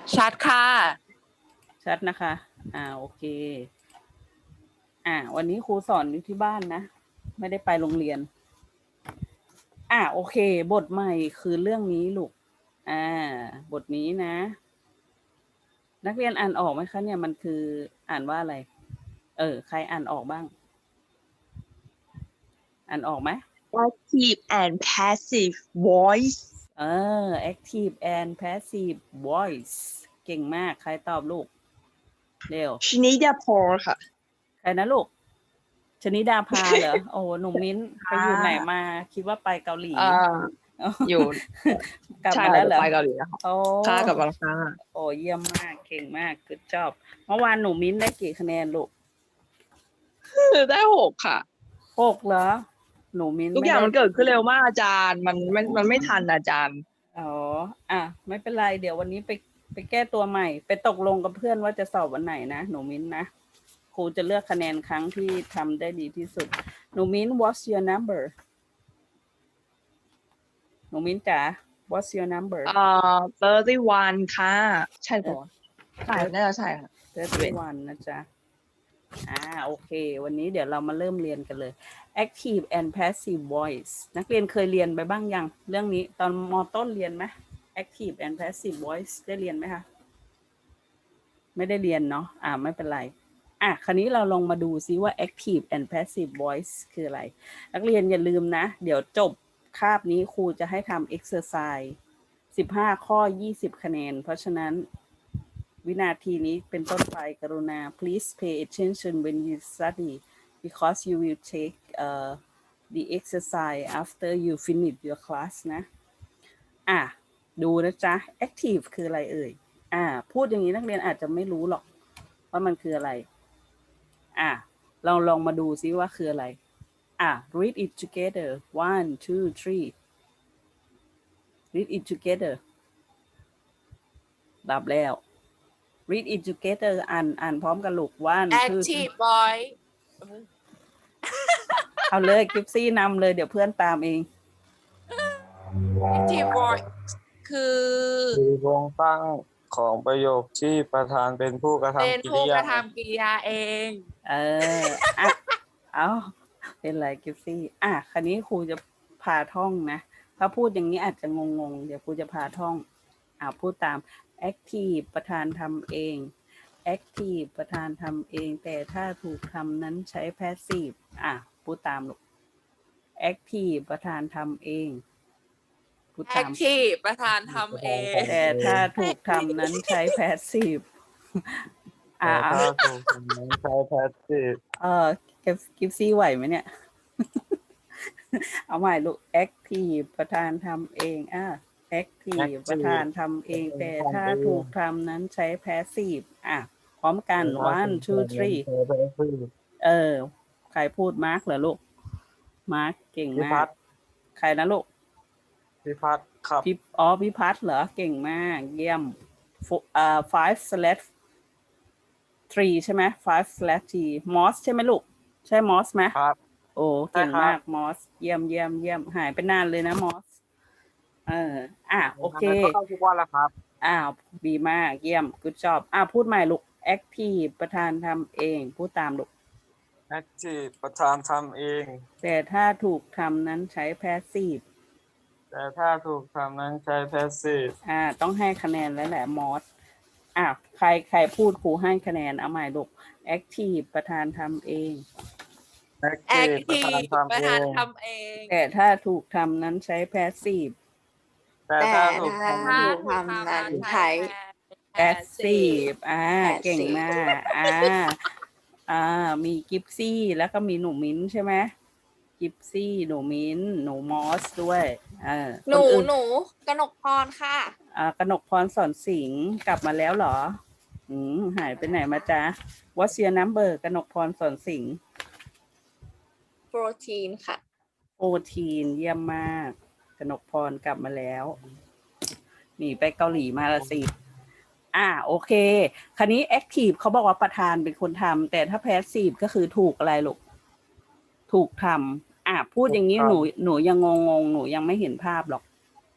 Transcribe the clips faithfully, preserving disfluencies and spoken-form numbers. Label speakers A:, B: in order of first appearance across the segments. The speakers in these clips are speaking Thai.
A: ชัดค่ะ
B: ชัดนะคะอ่าโอเคอ่าวันนี้ครูสอนอยู่ที่บ้านนะไม่ได้ไปโรงเรียนอ่าโอเคบทใหม่คือเรื่องนี้ลูกอ่าบทนี้นะนักเรียนอ่านออกไหมคะเนี่ยมันคืออ่านว่าอะไรเออใครอ่านออกบ้างอ่านออกไหม
C: active and passive voice
B: เออ active and passive voice เก่งมากใครตอบลูกเร็ว
C: ชนิดาพรค่ะ
B: ใครนะลูกชนิดาภาเหรอโอ้หนุ่มมิ้นไปอยู่ไหนมาคิดว่าไปเกาหลี
C: อ่า อยู่
B: กลับ
C: ใช่
B: มาแล้วเหรอ
C: ไปเกาหลีแล้วค่ะ
B: โอ้
C: ค่ะกลับมาแล้วค่ะ
B: โอ้เยี่ยมมากเก่งมากคือจอบเมื่อวานหนูมิ้นได้กี่คะแนนลูก
C: ได้หกค่ะ
B: หกเหรอหนูมิ้น
C: ทุกอย่าง
B: ไได้
C: มันเกิดขึ้นเร็วมากอาจารย์มันมันมันไม่ทันอาจารย์
B: อ๋ออ่ะไม่เป็นไรเดี๋ยววันนี้ไปไปแก้ตัวใหม่ ไปตกลงกับเพื่อนว่าจะสอบวันไหนนะหนูมิ้นนะครูจะเลือกคะแนนครั้งที่ทำได้ดีที่สุดหนูมิ้น what's your number หนูมิ้นจ๋า what's your number
C: เอ่อ thirty one ค่ะ ใช่ปะใช่น่าจะใช่ค่ะ
B: thirty oneนะจ๊ะอ่าโอเควันนี้เดี๋ยวเรามาเริ่มเรียนกันเลย active and passive voice นักเรียนเคยเรียนไปบ้างยังเรื่องนี้ตอนม.ต้นเรียนไหม active and passive voice ได้เรียนไหมคะไม่ได้เรียนเนาะอ่าไม่เป็นไรอ่ะคราวนี้เราลองมาดูซิว่า active and passive voice คืออะไรนักเรียนอย่าลืมนะเดี๋ยวจบคาบนี้ครูจะให้ทำ exercise สิบห้าข้อยี่สิบคะแนนเพราะฉะนั้นวินาทีนี้เป็นต้นไปกรุณา please pay attention when you study because you will take uh, the exercise after you finish your class นะอ่ะดูนะจ๊ะ active คืออะไรเอ่ยอ่าพูดอย่างนี้นักเรียนอาจจะไม่รู้หรอกว่ามันคืออะไรอ่ะเราลองมาดูซิว่าคืออะไรอ่ะ read it together one two three read it together ดับแล้ว read it together อ่านอ่านพร้อมกันลูก one two three
A: active boy
B: เอาเลยกิฟซี่นำเลยเดี๋ยวเพื่อนตามเอง
A: active boy คือ
D: คือโครงสร้างของประโยคที่ประธานเป็นผู้กระ
A: เป็น
D: ทำกิ
A: ผู้
D: ริ
A: ก
D: ยา
A: ระทำกิริยาเอง
B: เอออ่ะเอาเป็นไรกิฟซี่อ่ะคราวนี้ครูจะพาท่องนะถ้าพูดอย่างนี้อาจจะงงๆเดี๋ยวครูจะพาท่องอ่ะพูดตาม active ประธานทำเอง active ประธานทำเองแต่ถ้าถูกทำนั้นใช้ passive อ่ะพูดตามลูก active ประธานทำเงพูดตาม
A: active ประธานทำเอง
B: แต่ถ้าถูกทำนั้นใช้ passive อ่า
D: แต่ถ้าถูกทำนั้นใช้แพสซีฟ
B: เออกิฟกิฟซี่ไหวไหมเนี่ย เอาใหม่ลูก active ประธานทำเองอ่ะ active ประธานทำเองแต่ถ้าถูกทำนั้นใช้ passive อ่ะพร้อมกัน one two three
D: ใช้แพสซีฟ
B: เออใครพูดมาร์กเหรอลูกมาร์กเก่ง
D: พิ
B: มา
D: พั
B: ก
D: ฒน์
B: ใครนะลูก
D: พิพัฒน์ครับ
B: พี่อ๋อพี่พัฒน์เหรอเก่งมากเยี่ยมอ่า five slash three ใช่ไหม five slash three มอสใช่ไหมลูกใช่มอสไหม
D: ครับ
B: โอ้เก่ง
D: ใช่ครับ
B: มากมอสเยี่ยมเยี่ยมเยี่ยมหายไปนานเลยนะมอสเอออ่ะโอเค
D: ก็เข้าทุกวันแล้วครับ
B: อ้าวดีมากเยี่ยม good job อ่ะพูดใหม่ลูก active ประธานทำเองพูดตามลูก
D: active ประธานทำเอง
B: แต่ถ้าถูกทำนั้นใช้ passive
D: แต่ถ้าถูกทำนั้นใช้แพสซีฟ
B: อ่าต้องให้คะแนนแล้วแหละมอสอ่ะใครใครพูดครูให้คะแนนเอาใหม่ลูก active ประธานทำเอง
D: active ประธาน
A: active
D: ทำ
A: ประ
D: เอ
A: ธาน
D: ง
A: ทำเอง
B: แต่ถ้าถูกทำนั้นใช้ passive
D: แต่ถ้าถูกทำ
A: ถ้า
D: นั้น
A: ถูกทำนั้นใช้
B: passive อ่า
A: passive
B: เก่งมากอ่าอ่ามีกิฟซี่แล้วก็มีหนูมิ้นใช่ไหมกิฟซี่หนูมิ้นหนูมอสด้วยเออ
A: หนู
B: คอื่
A: หนูกนกพรค่ะ
B: อ่ากนกพรสอนสิงห์กลับมาแล้วเหรออืมหายไปไหนมาจ๊ะ What's your number กนกพรสอนสิงห์
A: fourteen ค่ะ
B: โอทีนเยี่ยมมากกนกพรกลับมาแล้วหนีไปเกาหลีมาละสิอ่าโอเคคราวนี้ active เขาบอกว่าประธานเป็นคนทำแต่ถ้า passive ก็คือถูกอะไรลูกถูกทำอ่าพูดอย่างนี้หนูหนูยังงงงหนูยังไม่เห็นภาพหรอก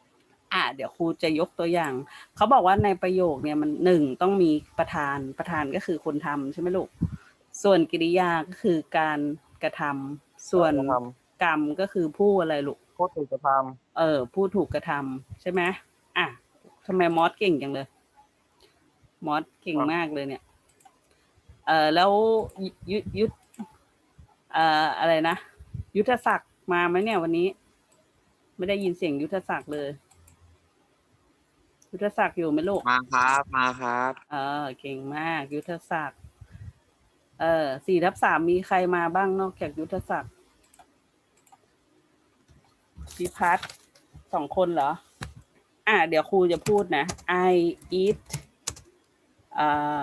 B: อ่ะเดี๋ยวครูจะยกตัวอย่าง เขาบอกว่าในประโยคเนี่ยมันหนึ่งต้องมีประธาน ประธานก็คือคนทำใช่ไหมลูก ส่วนกริยาก็คือการกระทำส่วน
D: การกระท
B: กรรมก็คือผู้อะไรลูก
D: ผู้ถูกกระท
B: เออ ผู้ถูกกระทำใช่ไหมอ่ะทำไมมอสเก่งจังเลย มอสเก่งมากเลยเนี่ย เออแล้วยุยุยุทธเอ่ออะไรนะ ยุทธศักดิ์มาไหมเนี่ยวันนี้ ไม่ได้ยินเสียงยุทธศักดิ์เลย ยุทธศักดิ์อยู่ไหมลูก
E: มาครับมาครับ
B: เออเก่งมาก ยุทธศักดิ์เออสี่ทับสามมีใครมาบ้างนอกจากยุทธศักดิ์พิพัฒน์สองคนเหรอ อ่ะเดี๋ยวครูจะพูดนะ I eat อ่า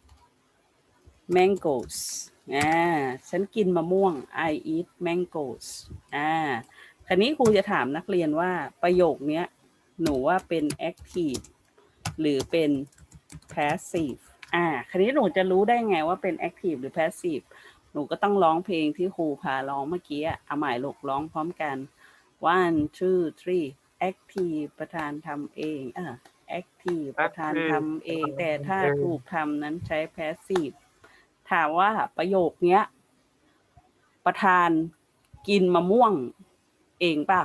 B: mangoes อ่าฉันกินมะม่วง I eat mangoes อ่าคราวนี้ครูจะถามนักเรียนว่าประโยคเนี้ย หนูว่าเป็น active หรือเป็น passive อ่าคราวนี้หนูจะรู้ได้ไงว่าเป็น active หรือ passive หนูก็ต้องร้องเพลงที่ครูพาร้องเมื่อกี้เอาใหม่ลูกร้องพร้อมกัน one two three active ประธานทำเองเออ active ประธานทำเอง แต่ถ้าถูกทำนั้นใช้ passive ถามว่าประโยคเนี้ย ประธานกินมะม่วงเองป่ะ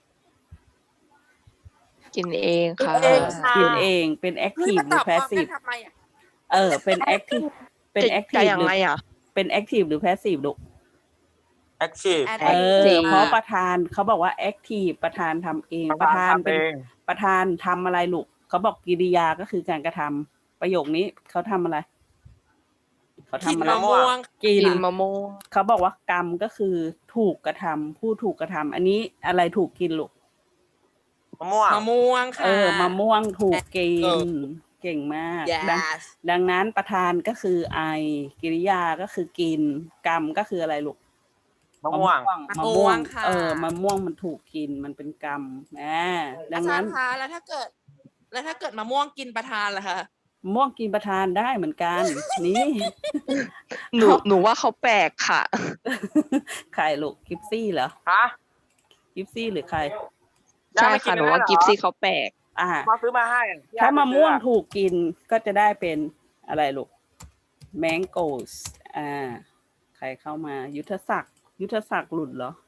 C: กินเองค่ะ
A: เองค่ะ
B: กินเองเป็น
A: เฮ้ย
B: active
A: มา
B: หรื
A: ต
B: อ
A: อบพร้อมกัน
B: passive
A: ทำไมอ่ะ
B: เออเป็น active เป็น
C: จะจะ
B: active
C: ยัง
B: หรือ
C: ไงอ่ะ
B: เป็น active หรือ passive ลูก
D: ำ active
B: เออ
C: active
B: เพราะประธานเขาบอกว่า active ประธานทำเอง ประธาน
D: ทำ
B: เป็น
D: เอง
B: ประธานทำอะไรลูกเขาบอกกิริยาก็คือการกระทำประโยคนี้เขาทำอะไรเขา
A: กิน
B: ทำอะไร
A: มะม่วง
B: กิ
C: กิ
B: น
C: นมะม่วง
B: เขาบอกว่ากรรมก็คือถูกกระทำผู้ถูกกระทำอันนี้อะไรถูกกินลูก
D: มะม่วง
A: มะม่วงค่ะ
B: เออมะม่วงถูกกิน
A: เออ
B: เก่งมากดัง
A: yes
B: ดังนั้นประธานก็คือไอกิริยาก็คือกิน กรรมก็คืออะไรลูก
D: มะม่วง
B: มะม่วง
A: ค่ะ
B: เออมะม่วงมันถูกกินมันเป็นกรรมอ่าดั
A: อาง จา
B: นั้
A: ร
B: น
A: ย์คะแล้วถ้าเกิด แล้วถ้าเกิดมะม่วงกินประธานล่ะคะ
B: มะม่วงกินประธานได้เหมือนกัน นี่
C: หนูหนูว่าเขาแปลกค่ะ
B: ใครลูกกิฟซี่เหรอ
D: ฮะ
B: กิฟซี่หรือใคร
C: ใช่ค่ะหนูว่ากิฟซี่เขาแปลก
B: อ่า
D: มาซื้อมาให้
B: ถ้ามะม่วงถูกกินก็จะได้เป็นอะไรลูก mangoes อ่า ใครเข้ามายุทธศักดิ์ยุทธศักดิ์หลุดเหรอ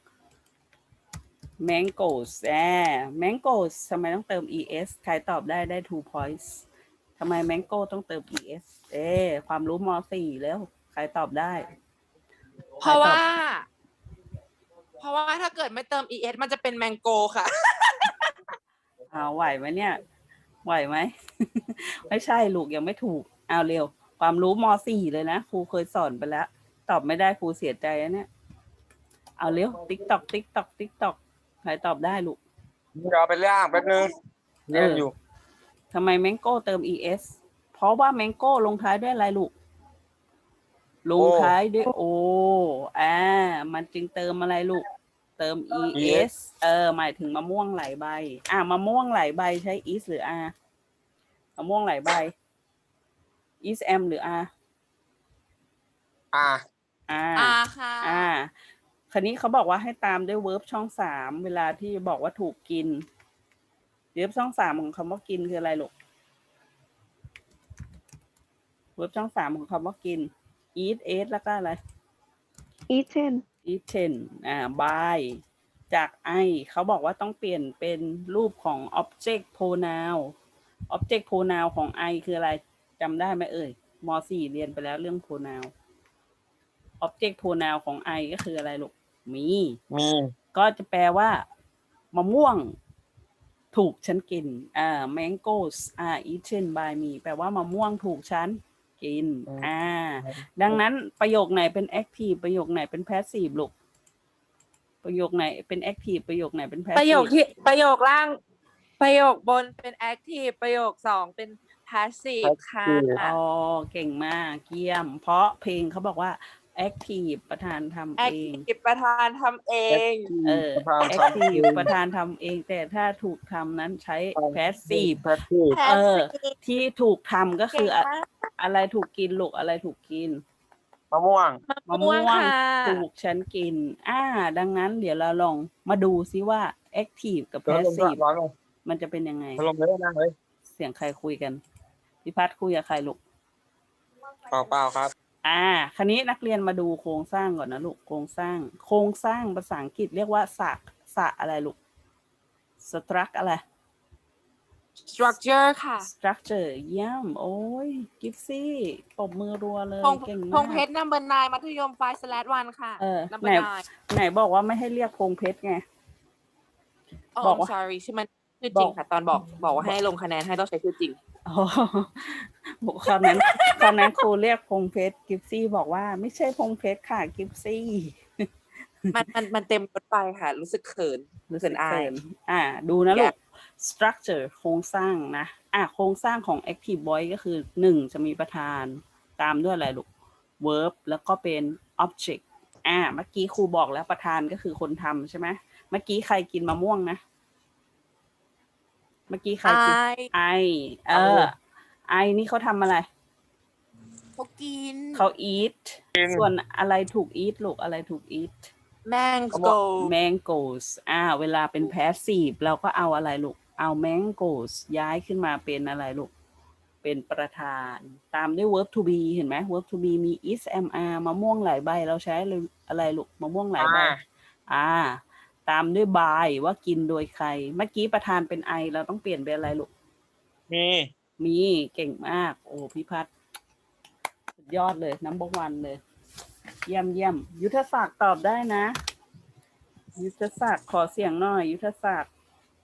B: mangoes อ่า mangoes ทำไมต้องเติม es ใครตอบได้ได้ two points ทำไม mango ต้องเติม es เอ๊ความรู้ม สี่แล้ว ใครตอบได้
A: เพราะว่า
B: ใคตอบ
A: เพราะว่าถ้าเกิดไม่เติม es มันจะเป็นแมงโกค่ะ
B: เอาไหวไหมเนี่ย ไหวไหม ไม่ใช่ลูกยังไม่ถูก เอาเร็ว ความรู้ม สี่เลยนะครูเคยสอนไปแล้ว ตอบไม่ได้ครูเสียใจนะเนี่ย เอาเร็ว ติ๊กตอกติ๊กตอกติ๊กตอกใครตอบได้ลูก
D: เดี๋ยวเอาไปย่างแป๊บนึงเรียนอยู่
B: ทำไมแมงโก้เติม es เพราะว่าแมงโก้ลงท้ายด้วยอะไรลูก ลงท้ายด้วยโออ่ามันจึงเติมอะไรลูก เติม es เออ หมายถึงมะม่วงหลายใบ อ่ามะม่วงหลายใบใช้ is หรือ r มะม่วงหลายใบ is am หรือ r
D: อ่า
B: r
A: อ่าค่ะ
B: อ่าคราวนี้เขาบอกว่าให้ตามด้วย verb ช่องสามเวลาที่บอกว่าถูกกิน verb ช่องสามของคำว่ากินคืออะไรลูก verb ช่องสามของคำว่ากิน eat ate แล้วก็อะไร
C: eaten
B: eaten อ่า by จาก I เขาบอกว่าต้องเปลี่ยนเป็นรูปของ object pronoun object pronoun ของ I คืออะไรจำได้ไหมเอ่ยม สี่เรียนไปแล้วเรื่อง pronoun object pronoun ของ I ก็คืออะไรลูกมี
D: มี
B: ก็จะแปลว่ามะม่วงถูกฉันกินอ่า mangoes are eaten by me แปลว่ามะม่วงถูกฉันกินอ่าดังนั้นประโยคไหนเป็น active ประโยคไหนเป็น passive ลูกประโยคไหนเป็น active ประโยคไหนเป็น passive
A: ประโยคที่ประโยคล่าง ประโยคบนเป็น active ประโยคสองเป็น passive ค่ะ
B: อ๋อเก่งมากเยี่ยม เพราะเพลงเขาบอกว่า active ประธานทำเอง
A: active ประธานทำเอง
B: เออ
D: ประธานทำเอง
B: active ประธานทำเอง แต่ถ้าถูกทำนั้นใช้ passive
D: แพทที่
B: เออ
A: passive
B: ที่ถูกทำก็คืออะ
A: เก่งมาก
B: อะไรถูกกินลูกอะไรถูกกิน
D: มะม่วง
B: มะม่วง
A: ค่ะ
B: ถูกฉันกิน อ่า ดังนั้นเดี๋ยวเราลองมาดูซิว่า active กับ
D: เดี๋ยวลง
B: passive
D: ร้อนลง
B: มันจะเป็นยังไง
D: พัดลมเลยนั่งเลย
B: เสียงใครคุยกันพี่พัดคุยกับใครลูก
D: เปล่าเปล่าครับ
B: อ่าคันนี้นักเรียนมาดูโครงสร้างก่อนนะลูกโครงสร้าง โครงสร้างภาษาอังกฤษเรียกว่าสระสระอะไรลูก struct อะไร
A: structure ค่ะ
B: structure เยี่ยมโอ้ยกิฟซี่ปรบมือรัวเลย
A: พง
B: เก่ง
A: พ
B: มาง
A: เพ
B: ก
A: ชร number nine มัธยม five slash one ค่ะ
B: เออ
A: number
B: ไหน
A: nine
B: ไหนบอกว่าไม่ให้เรียกพงเพชรไง
A: อ๋อ
B: บอก
A: I'm
B: ว่า
A: sorry ชื่อมันชื่อจริงค่ะ ตอนบอกบอกว่าให้ลงคะแนนให้ต้องใช้ชื่อจริง
B: อ๋อบอกคราวนั้นคราวนั้นครูเรียกพงเพชรกิฟซี่บอกว่าไม่ใช่พงเพชรค่ะกิฟซี่
A: มันมันมันเต็มรถไปค่ะ รู้สึกเขิน
B: รู้
A: เขิ
B: สึก
A: นอา
B: เขิ
A: ย
B: นอ่า ดูนะ
A: อ
B: ลู
A: ยาก
B: ก structure โครงสร้างนะ อ่าโครงสร้างของ active voice ก็คือหนึ่งจะมีประธาน ตามด้วยอะไรลูก verb แล้วก็เป็น object อ่า เมื่อกี้ครูบอกแล้วประธานก็คือคนทำใช่ไหม เมื่อกี้ใครกินมะม่วงนะ เมื่อกี้ใครกิน
A: I
B: ไอ เออ ไอนี่เขาทำอะไร
A: เขากิน
B: เขา eat ส่วนอะไรถูก eat ลูก อะไรถูก eat
A: mango
B: mangoes อ่า เวลาเป็น passive เราก็เอาอะไรลูก เอา mangoes ย้ายขึ้นมาเป็นอะไรลูก เป็นประธาน ตามด้วย verb to be เห็นไหม verb to be มี is am are มะม่วงหลายใบ เราใช้อะไรลูก มะม่วงหลายใบ อ่า ตามด้วย by ว่ากินโดยใคร เมื่อกี้ประธานเป็น I เราต้องเปลี่ยนเป็นอะไรลูก
D: มี
B: มีเก่งมาก โอ้พี่พัฒน์สุดยอดเลยน้ำบวันเลย เยี่ยมเยี่ยมยุทธศักดิ์ตอบได้นะ ยุทธศักดิ์ขอเสียงหน่อย ยุทธศักดิ์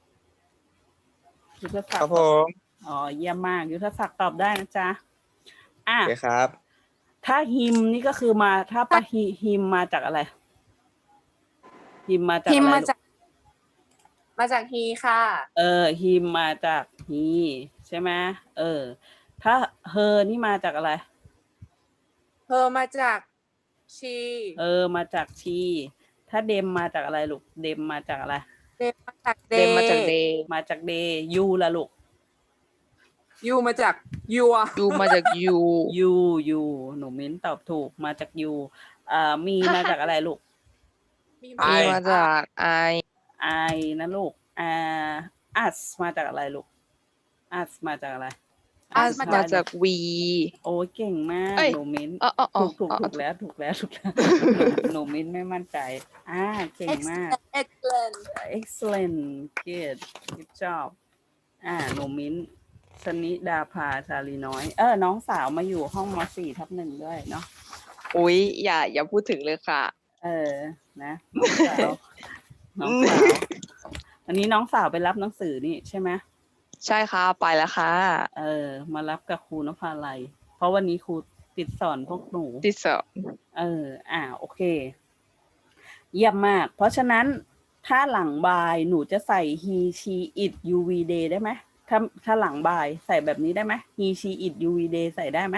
B: ยุทธศั
D: ค
B: ก
D: รับ
B: ดิ์
D: ผม
B: อ๋อเยี่ยมมาก ยุทธศักดิ์ตอบได้นะจ๊ะอ่ะ
D: โอเคครับ
B: ถ้าฮิมนี่ก็คือมาถ้าปะฮิฮิมมาจากอะไรฮิมมาจาก
A: พิม
B: อะ
A: พ์
B: ไร
A: มา
B: ลู
A: จาก
B: ก
A: มาจาก he ค่ะ
B: เออฮิมมาจากฮีใช่ไหมเออ ถ้าเฮอนี่มาจากอะไร
A: her มาจาก she
B: เออ มาจากชี ถ้าเดมมาจากอะไรลูก เดมมาจากอะไร
A: they มาจาก
C: เดมมาจาก
A: they
C: เดย์
B: มาจากเดยูละลูก
A: you มาจาก your
C: ยูมาจากยู
B: ยูยูหนูมิ้นตอบถูกมาจากยูอ่ามีมาจากอะไรลูก
A: มี
C: มี
A: มา
C: มาจากไอ
B: ไอนะลูกอ่าอัสมาจากอะไรลูกอัสมาจากอะไร
C: อัส
A: มา
C: มา
A: จาก
C: จากวี
B: โอ้ยเก่งมาก
C: เอ้ย
B: หนูมิ้น
C: อ๋ออ๋ออ๋อ
B: ถูกถูก
C: อ๋อ
B: ถูกแล้วถูกแล้วถูกแล้วหนูหนูมิ้นไม่มั่นใจ อ่าเก่งมาก
A: excellent
B: excellent good good job อ่าหนูมิ้นชนิดาภาชาลีน้อย เออ น้องสาวมาอยู่ห้องมสี่ทับหนึ่งด้วยเนาะ
C: อุ๊ยอย่าอย่าพูดถึงเลยค่ะ
B: เออ นะน้องสาว น้องสาว อันนี้น้องสาวไปรับหนังสือนี่ใช่ไหม
C: ใช่ค่ะไปแล้วค่ะ
B: เออ มารับกับครูนภาลัย เพราะวันนี้ครูติดสอนพวกหนู
C: ที่สอง
B: เออ อ่า โอเค เยี่ยมมาก เพราะฉะนั้นถ้าหลังบายหนูจะใส่ he she it you we they ได้ไหม ถ้าถ้าหลังบายใส่แบบนี้ได้ไหม he she it you we they ใส่ได้ไหม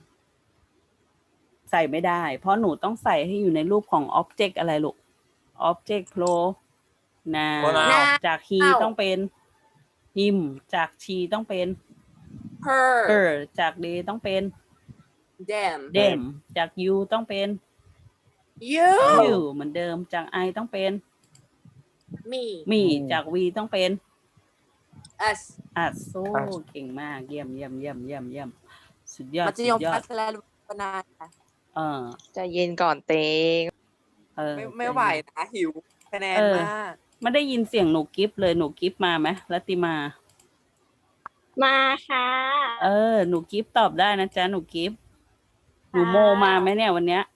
B: ใส่ไม่ได้ เพราะหนูต้องใส่ให้อยู่ในรูปของ object อะไรลูก object pro noun
D: pronoun
B: จาก he ต้องเป็น him จาก she ต้องเป็น
A: her
B: her จาก they ต้องเป็น
A: them
B: them จาก you ต้องเป็น
A: you
B: you เหมือนเดิม จาก I ต้องเป็น
A: me
B: me จาก we ต้องเป็น
A: us
B: อัดโซ่เก่งมาก เยี่ยมเยี่ยมเยี่ยมเยี่ยมเยี่ยมสุดยอด
A: มัธ
B: สุ
A: ย
B: ด
A: ม
B: ยอ
A: พั
B: ด
A: ฒนาพัฒนาค่ะ
B: เออ
C: ใจเย็นก่อนเตง
B: เออ
A: ไม่ไม่ไหวนะหิวคะแนน
B: เออ
A: มาก
B: ไม่ได้ยินเสียงหนูกิฟเลยหนูกิฟมาไหมรัตติมา
E: มาค่ะ
B: เออ หนูกิฟตอบได้นะจ๊ะ หนูกิฟหนูโมมาไหมเนี่ยวันเนี้ย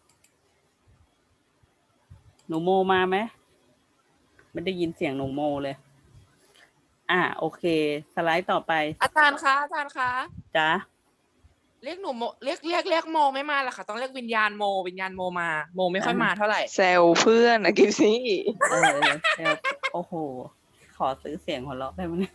B: หนูโมมาไหมไม่ได้ยินเสียงหนูโมเลย อ่า โอเค สไลด์ต่อไป
A: อาจารย์คะอาจารย์คะ
B: จ้ะ
A: เรียกหนูโมเรียกเรียกเรียกโมไม่มาละค่ะ ต้องเรียกวิญญาณโม วิญญาณโมมา โมไม่ค่อยมาเท่าไหร่
C: แซวเพื่อนนะกิฟซี่
B: เออเซลโอ้โห ขอซื้อเสียงหัวเราะได้ไหมเนี่ย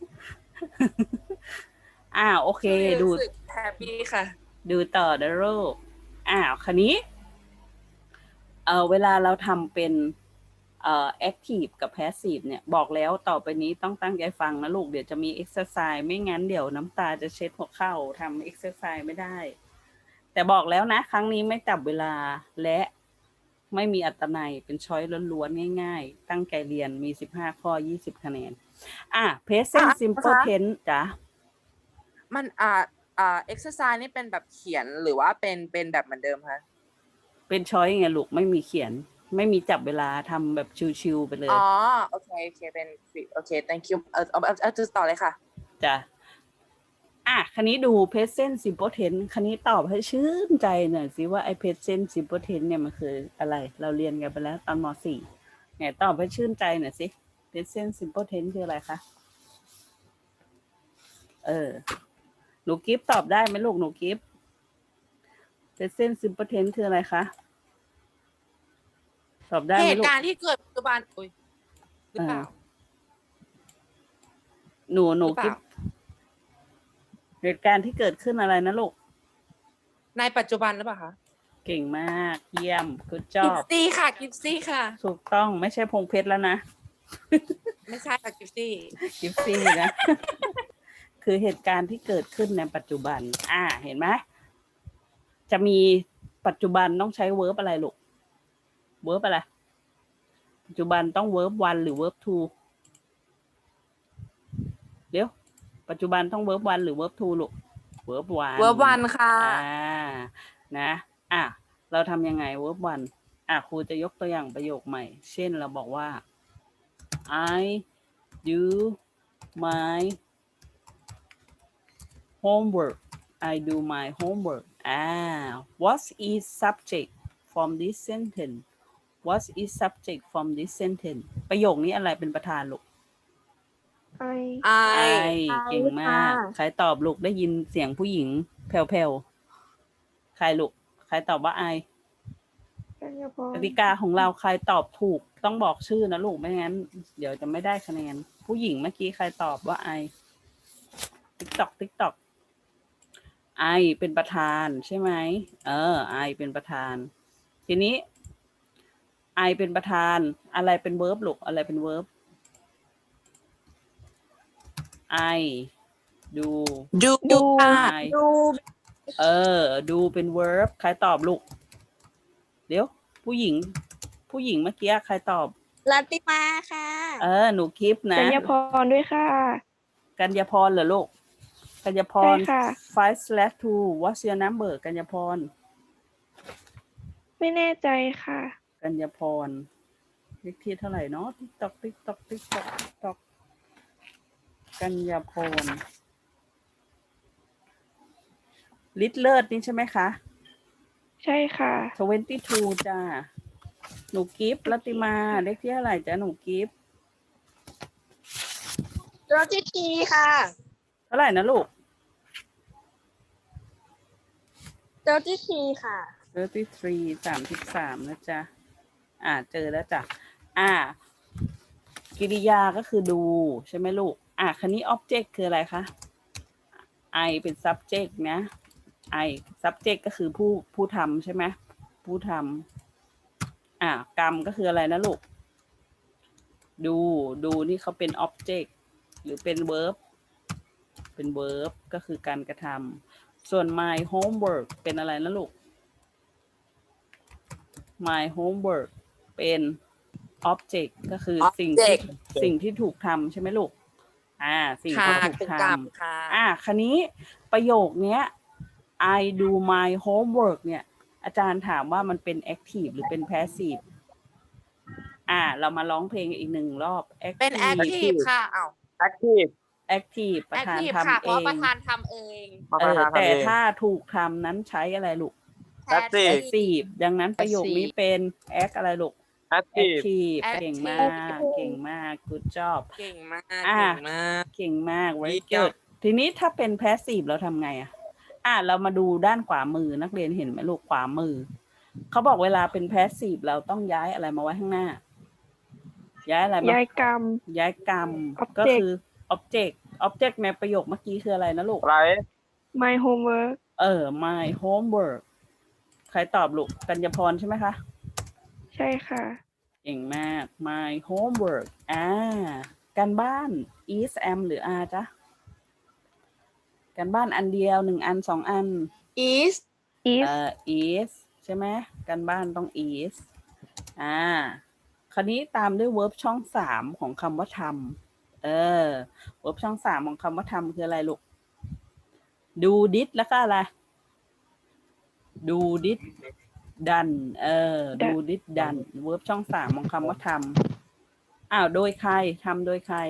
B: อ่า โอเค ดู
A: รู้สึกแฮปปี้ค่ะ
B: ดูต่อนะลูกอ้าวคันนี้ เออเวลาเราทำเป็น เอ่อ active กับ passive เนี่ย บอกแล้วต่อไปนี้ต้องตั้งใจฟังนะลูก เดี๋ยวจะมี exercise ไม่งั้นเดี๋ยวน้ำตาจะเช็ดหัวเข่าทำ exercise ไม่ได้ แต่บอกแล้วนะ ครั้งนี้ไม่จับเวลาและไม่มีอัตนัยเป็นช้อยล้วนๆง่ายๆ ตั้งใจเรียนมีสิบห้าข้อยี่สิบคะแนนอ่ะ present
A: อ่ะ
B: simple
A: นะคะ
B: tense จ้ะ
A: มันอ่าอ่า exercise นี่เป็นแบบเขียนหรือว่าเป็นเป็นแบบเหมือนเดิมคะ
B: เป็นช้อยไงลูกไม่มีเขียน ไม่มีจับเวลาทำแบบชิวๆไปเลย
A: อ๋อโอเคโอเคเป็นโอเค thank you เออเอาเอาเอาต่อเลยค่ะ
B: จ้ะ อ่ะ คันนี้ดู present simple tense คันนี้ตอบให้ชื่นใจหน่อยสิว่าไอ้ present simple tense เนี่ยมันคืออะไร เราเรียนกันไปแล้วตอนม สี่ไงตอบให้ชื่นใจหน่อยสิ present simple tense คืออะไรคะ เออ หนูกิฟต์ตอบได้ไหมลูกหนูกิฟต์ present simple tense คืออะไรคะ ตอบได้
A: เห
B: ไหม
A: ตุ
B: ลูก
A: การณ์ที่เกิดปัจจุบันอุ้ยหรือเปล่า
B: หนูหนู
A: หรือเป
B: กิ
A: ล่า
B: ฟต์เหตุการณ์ที่เกิดขึ้นอะไรนะลูก
A: ในปัจจุบันหรือเปล่าคะ
B: เก่งมาก เยี่ยม good
A: กิฟ
B: job
A: ซี่ค่ะกิฟซี่ค่ะ
B: ถูกต้องไม่ใช่พงเพชรแล้วนะ
A: ไม่ใช่ค่ะกิฟซี่
B: กิฟซี่นะ คือเหตุการณ์ที่เกิดขึ้นในปัจจุบัน อ่า เห็นไหมจะมีปัจจุบันต้องใช้ verb อะไรลูก verb อะไร ปัจจุบันต้อง verb one หรือ verb two เดี๋ยว ปัจจุบันต้อง verb one หรือ verb two ลูก verb one
A: เวอร์วันค่ะ
B: อ่า นะ อ่ะ เราทำยังไง verb one อ่ะ ครูจะยกตัวอย่างประโยคใหม่ เช่น เราบอกว่า I do my homework I do my homework อ่า what is subject from this sentence what is subject from this sentence ประโยคนี้อะไรเป็นประธานลูก
E: ไอ
A: ไอ
B: ไอเก่งมาก
E: ค่ะ
B: ใครตอบลูกได้ยินเสียงผู้หญิงแผ่วๆ ใครลูก ใครตอบว่าไอ
E: กัญญาพร
B: กติกาของเราใครตอบถูกต้องบอกชื่อนะลูกไม่งั้น เดี๋ยวจะไม่ได้คะแนน ผู้หญิงเมื่อกี้ใครตอบว่าไอ ติ๊กตอกติ๊กตอกไอเป็นประธานใช่ไหม เออ ไอเป็นประธาน ทีนี้ ไอเป็นประธาน อะไรเป็นเวิร์บลูกอะไรเป็นเวิร์บ ไอ ดู
A: ดู
E: ดู
A: ค่ะ
B: ไอ
E: ดู
B: เออ ดูเป็น verb ใครตอบลูก เดี๋ยว ผู้หญิง ผู้หญิงเมื่อกี้ใครตอบ
E: ลัตติมาค่ะ
B: เออ หนูคลิปนะ
E: กัญญาพรด้วยค่ะ
B: กัญญาพรเหรอลูก กัญญาพร
E: ใช่ค่ะ
B: five slash two what's your number กัญญาพร
E: ไม่แน่ใจค่ะ
B: กัญญาพรเลขที่เท่าไหร่เนาะติ๊กตอกติ๊กตอกติ๊กตอกติ๊กตอกกัญญาพรลิตเลิศนี่ใช่ไหมคะ
E: ใช่ค่ะ
B: twenty two จ้า หนูกิฟต์รัตติมาเลขที่เท่าไหร่จ้าหนูกิฟต์
E: โรจิทีค่ะ
B: เท่าไหร่นะลูก
E: โรจิทีค่ะ
B: thirty-three สามสิบสามนะจ๊ะ อ่า เจอแล้วจ้ะ อ่า กิริยาก็คือดูใช่ไหมลูก อ่าคันนี้ object คืออะไรคะ I เป็น subject นะ I subject ก็คือผู้ผู้ทำใช่ไหม ผู้ทำ อ่ากรรมก็คืออะไรนะลูก ดู ดูนี่เขาเป็น object หรือเป็น verb เป็น verb ก็คือการกระทำ ส่วน my homework เป็นอะไรนะลูก my homework เป็น object ก็คือสิ่งที่
A: Object
B: สิ่งที่ถูกทำใช่ไหมลูก อ่า สิ่ง
A: ค่ะ
B: ที่ถูก
A: ถูก
B: ท
A: กลับค่ะ
B: ำอ่าคันนี้ประโยคเนี้ย I do my homework เนี่ย อาจารย์ถามว่ามันเป็น active หรือเป็น passive อ่า เรามาร้องเพลงอีกหนึ่งรอบ
A: เป็น active ค่ะอ้าว
D: active
B: active ประธาน
A: active
B: ทำ
A: ค่ะเพ
B: เอ
A: ราะ
B: ง
A: ประธานทำเอง
D: มา
B: เอ
D: ประ
B: อ
D: ธานทำ
B: แต่
D: เอง
B: ถ้าถูกทำนั้นใช้อะไรลูก
D: Active
B: passive ดังนั้นประโยคนี้เป็น act อะไรลูก
D: active
B: active
A: Active
B: เก่งมาก เก่งมาก good job
A: เก่งมาก
B: อ่า
A: เก่งมาก
B: เก่งมาก very
A: เยี่ยม
B: good ทีนี้ถ้าเป็น passive เราทำไงอ่ะ อ่ะเรามาดูด้านขวามือนักเรียนเห็นไหมลูกขวามือ เขาบอกเวลาเป็น passive เราต้องย้ายอะไรมาไว้ข้างหน้า ย้ายอะไรมา
E: ย้ายกรรม
B: ย้ายกรรม
E: Object
B: ก็คือ object object ในประโยคเมื่อกี้คืออะไรนะลูก
D: ไร
E: my homework
B: เออ my homework ใครตอบลูก กัญญาพรใช่ไหมคะ
E: ใช่ค่ะ
B: เก่งมาก my homework อ่าการบ้าน is am หรือ are จ๊ะการบ้านอันเดียวหนึ่งอันสองอัน
A: is
E: is
B: เอ่อ is ใช่ไหมการบ้านต้อง is อ่าคราวนี้ตามด้วย verb ช่องสามของคำว่าทเออ verb ช่องสามของคำว่าทำคืออะไรลูก do did แล้วก็อะไร do did done เออ do did done verb ช่องสามของคำว่าทำอ้าว โดยใครทำโดยใคร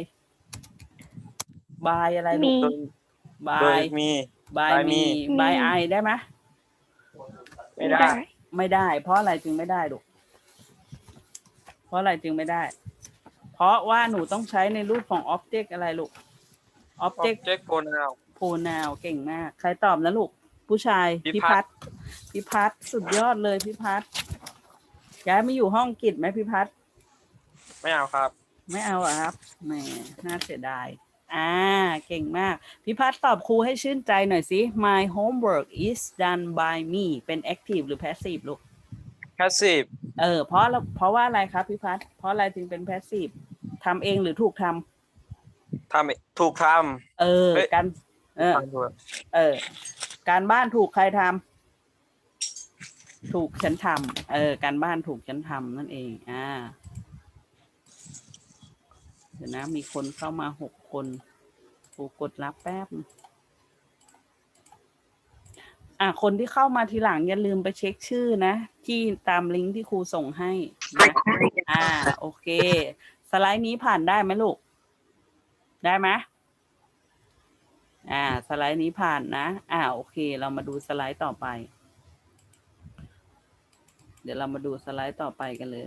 B: by อะไรลู
E: มี
B: ก
D: โดย
B: by
D: มี
B: by
D: by
B: me
D: me
B: by I ได้ไหม
D: ไม่ได้
B: ไม่ได้ เพราะอะไรจึงไม่ได้ลูก เพราะอะไรจึงไม่ได้ เพราะว่าหนูต้องใช้ในรูปของ object อะไรลูก object
D: object pronoun
B: pronoun เก่งมาก ใครตอบนะลูก ผู้ชาย
D: พิ
B: พิ
D: พั
B: พัฒ
D: ฒน์
B: น์พิพัฒน์สุดยอดเลยพิพัฒน์ย้ายมาอยู่ห้องกิจไหมพิพัฒน์
D: ไม่เอาครับ
B: ไม่เอาอะครับแหมน่าเสียดาย อ่า เก่งมาก พิพัฒน์ตอบครูให้ชื่นใจหน่อยสิ My homework is done by me เป็น active หรือ passive ลูก
D: passive
B: เออ เพราะเราเพราะว่าอะไรครับพิพัฒน์เพราะอะไรจึงเป็น passive ทำเองหรือถูกทำ
D: ทำถูกท
B: เออ
D: เฮ้ย
B: การเออ
D: ำทำถูก
B: เออ การบ้านถูกใครทำถูกฉันทำเออ การบ้านถูกฉันทำนั่นเอง อ่า เดี๋ยวนะ มีคนเข้ามาหกคนครูกดรับแป๊บ อ่ะ คนที่เข้ามาทีหลังอย่าลืมไปเช็คชื่อนะ ที่ตามลิงก์ที่ครูส่งให้นะอ่า โอเค สไลด์นี้ผ่านได้ไหมลูก ได้ไหมอ่า สไลด์นี้ผ่านนะ อ่า โอเค เรามาดูสไลด์ต่อไป เดี๋ยวเรามาดูสไลด์ต่อไปกันเลย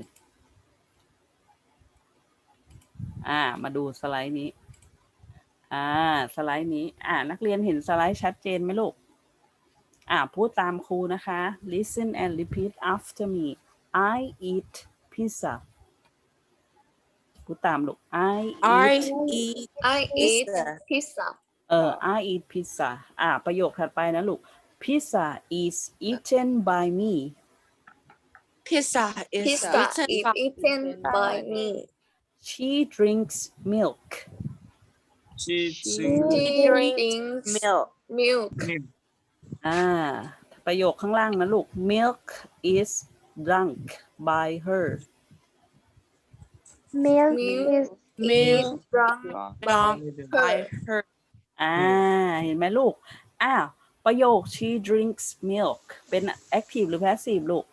B: อ่า มาดูสไลด์นี้ อ่า สไลด์นี้ อ่า นักเรียนเห็นสไลด์ชัดเจนไหมลูก อ่า พูดตามครูนะคะ listen and repeat after me I eat pizza พูดตามลูก I
A: I
B: eat
A: eat
E: I eat
A: pizza
E: pizza
B: เออ I eat pizza อ่า ประโยคถัดไปนะลูก pizza is eaten by me
A: pizza is
E: Pizza
A: eaten
E: is
A: by-
E: eaten by me
B: she drinks milk
D: she
B: She
E: She
A: drinks
E: drinks
A: milk
E: milk
B: อ่า ประโยคข้างล่างนะลูก milk is drunk by her
E: milk is
A: milk
E: drunk
A: drunk by her
B: อ่า เห็นไหมลูก อ้าว ประโยค she drinks milk เป็น active หรือ passive ลูก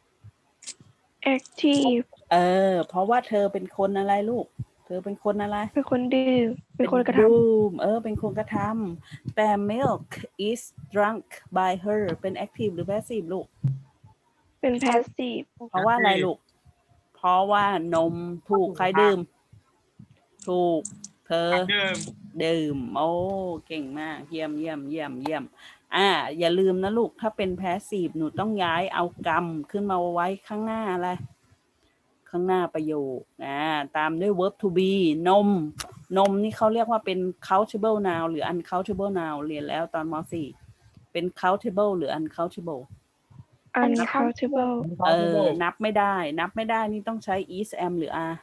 E: active
B: เออ เพราะว่าเธอเป็นคนอะไรลูก เธอเป็นคนอะไร
E: เป็นคนดื่มเป็นคนกระท
B: ดื่มเออ เป็นคนกระทำแต่ milk is drunk by her เป็น active หรือ passive ลูก
E: ำเป็น passive
B: เพราะว่าอะไรลูก เพราะว่านมถูกใครดื่ม ถูก เธอ
D: เดิม
B: ดื่ม โอ้ เก่งมาก เยี่ยมเยี่ยมเยี่ยมเยี่ยม อ่า อย่าลืมนะลูก ถ้าเป็น passive หนูต้องย้ายเอากรรมขึ้นมาไว้ข้างหน้าอะไร ข้างหน้าประโยค อ่า ตามด้วย verb to be นม นมนี่เขาเรียกว่าเป็น countable noun หรือ uncountable noun เรียนแล้วตอนม .สี่ เป็น countable หรือ uncountable
E: uncountable
B: เออ นับไม่ได้ นับไม่ได้นี่ต้องใช้ is am หรือ are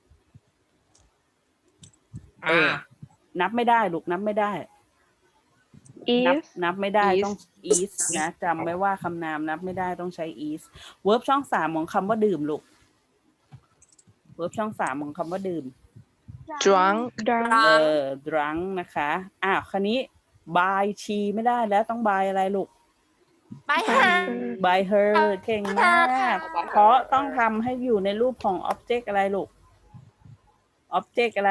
B: เออ นับไม่ได้ลูก นับไม่ได้ นับ
E: is
B: นับไม่ได้
A: is
B: ต้อง is นะจำไว้ว่าคำนามนับไม่ได้ต้องใช้ is verb ช่องสามของคำว่าดื่มลูก verb ช่องสามของคำว่าดื่ม
A: drunk
E: drunk
B: เออ drunk นะคะอ้าวคันนี้ by she ไม่ได้แล้วต้อง by อะไรลูก
A: by her
B: by her เก่งมาก เพราะต้องทำให้อยู่ในรูปของ object อะไรลูก object อะไร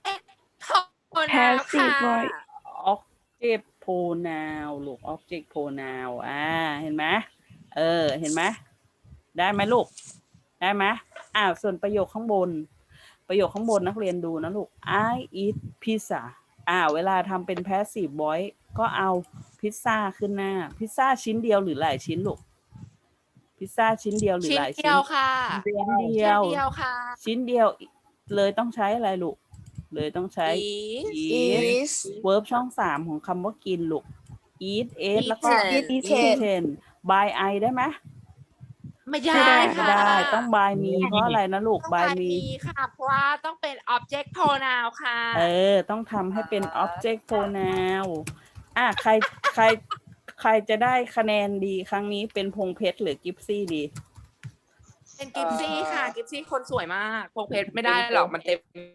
E: passive voice
B: object pronoun ลูก object pronoun อ่า เห็นไหมเออ เห็นไหมได้ไหมลูก ได้ไหมอ้าวส่วนประโยคข้างบน ประโยคข้างบนนักเรียนดูนะลูก I eat pizza อ่า เวลาทำเป็น passive voice ก็เอาพิซซ่าขึ้นหน้า พิซซ่าชิ้นเดียวหรือหลายชิ้นลูก พิซซ่าชิ้นเดียวหรือ
A: ชิ้น
B: หลาย
A: เดี
B: ชิ้
A: ย
B: น
A: วค่ะ
B: ชิ้นเดี
A: ชิ้
B: ย
A: น
B: ว
A: เดียวค่ะ
B: ชิ้นเดียวเลยต้องใช้อะไรลูก เลยต้องใช้
A: is
B: eat
E: is
B: verb ช่องสามของคำว่ากินลูก eat ate แล้วก็
A: eaten
B: eaten by I ได้ไหม
A: ไม่ได้
B: ไม่
A: ค่ะ
B: ได้ต้อง by me เพราะอะไรนะลูก
A: ต้อง
B: by
A: by
B: me
A: me ค่ะ เพราะว่าต้องเป็น object pronoun ค่ะ
B: เออ ต้องทำให้เป็น object pronoun อ่ะใครใครใครจะได้คะแนนดีครั้งนี้เป็นพงเพชรหรือกิฟซี่ดี
A: เป็นกิฟซี่ค่ะ กิฟซี่คนสวยมาก พงเพชรไม่ได้หรอกมันเต็ม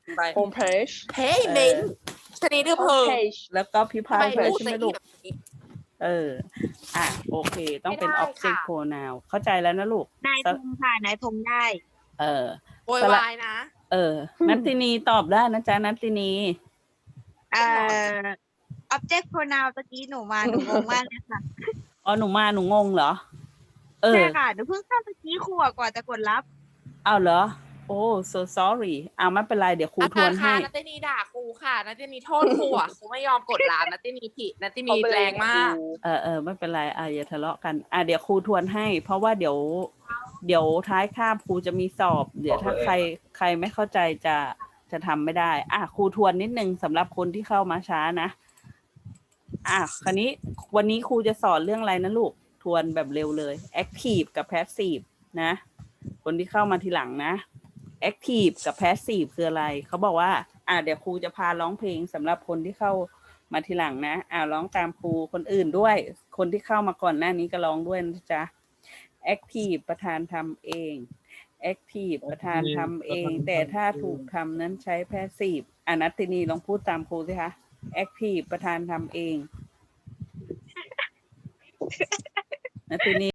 A: ไป
C: home page
A: payment ชนิดหรือเพอ
C: home page
B: แล้วก็พิ
A: ทำ
B: พา
A: ไม
B: ทด้วย
A: พูด
B: ใช่ไหม
A: จะ
B: ลู
A: อี
B: ก
A: แบบนี้
B: เออ อ่ะ โอเค ต้องเป็น
A: ไม่ได้
B: object
A: ค่ะ
B: pronoun เข้าใจแล้วนะลูก
F: นายพงค่ะ นายพงได้
B: เออ
A: โวยวายนะ
B: เออ นัตตินีตอบได้นะจ๊ะ นัตตินี
F: เอ่อ object pronoun ตะกี้หนูมา หนูงงมากเลยค่ะ
B: อ๋อ หนูมา หนูงงเหรอ เออ
F: ใช่ค่ะ หนูเพิ่งเข้าตะกี้ครูอะกว่าจะกดรับ
B: เอาเหรอ โอ้ so sorry เอาไม่เป็นไร เดี๋ยวครู
A: อา
B: ท
A: จา
B: ว
A: ร
B: น
A: ย์
B: ให้
A: คะนัตตินีด่าครูค่ะนัตตินีโทษครูอ่ะ ครูไม่ยอมกดลานัตตินีผิดนัตตินี
C: เอาไปเลย
A: แรงมาก
B: เออเออไม่เป็นไร อ่ะอย่าทะเลาะกัน อ่ะเดี๋ยวครูทวนให้ เพราะว่าเดี๋ยว เดี๋ยวท้ายคาบครูจะมีสอบ เดี๋ยวถ้าใครใครไม่เข้าใจจะจะทำไม่ได้ อ่ะครูทวนนิดนึงสำหรับคนที่เข้ามาช้านะ อ่ะคราวนี้วันนี้ครูจะสอนเรื่องอะไรนะลูก ทวนแบบเร็วเลย active กับ passive นะ คนที่เข้ามาทีหลังนะ active กับ passive คืออะไร เขาบอกว่า อ่ะเดี๋ยวครูจะพาร้องเพลงสำหรับคนที่เข้ามาทีหลังนะ อ่ะร้องตามครูคนอื่นด้วย คนที่เข้ามาก่อนหน้านี้ก็ร้องด้วยนะจ๊ะ active ประธานทำเอง active ประธานทำเอง แต่ถ้าถูกทำนั้นใช้ passive อ่ะนัตตินีลองพูดตามครูสิคะ active ประธานทำเอง นัตตินี